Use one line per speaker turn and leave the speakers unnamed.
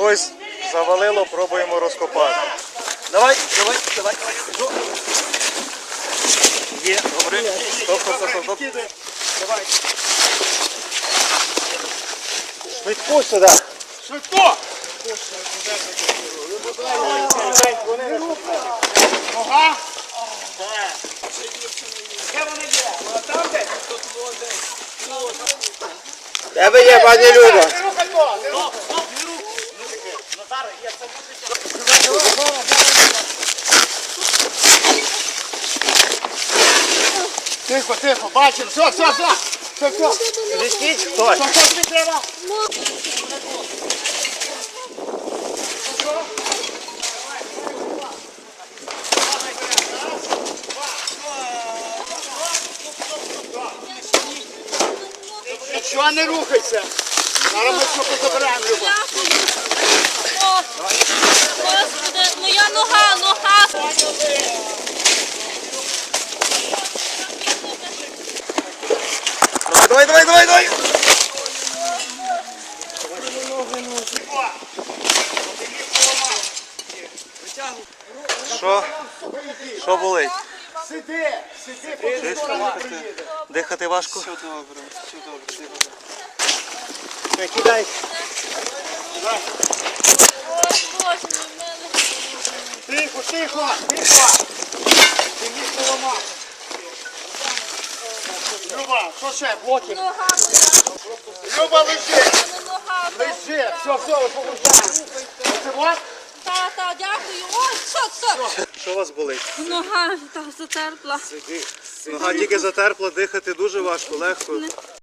Когось завалило, пробуємо розкопати. Давай. Є, добре. Стоп.
Давай.
Швидко сюди.
Швидко! Нога. Де вони є? Там десь?
Де ви є, пані Люба?
Не рухай то! Не рухай! Тихо, бачимо, все.
Відкіть хтось.
Що тобі треба? Нічого не рухайся. Зараз ми все позабираємо, Люба.
Господи, моя нога.
Давай. Що болить?
Сиди, поки скоро приїде.
Дихати важко?
Все добре.
Кидай.
Ой, Боже, в мене.
Тихо. Ти міг поламати. Люба, що ще? Блоки.
Нога моя.
Люба, лежи.
Нога.
Лежи. Все, виповажаємо. Оце вот?
Та, дякую. Ой, що?
Що у вас болить?
Нога так затерпла.
Нога тільки затерпла, дихати дуже важко, легко.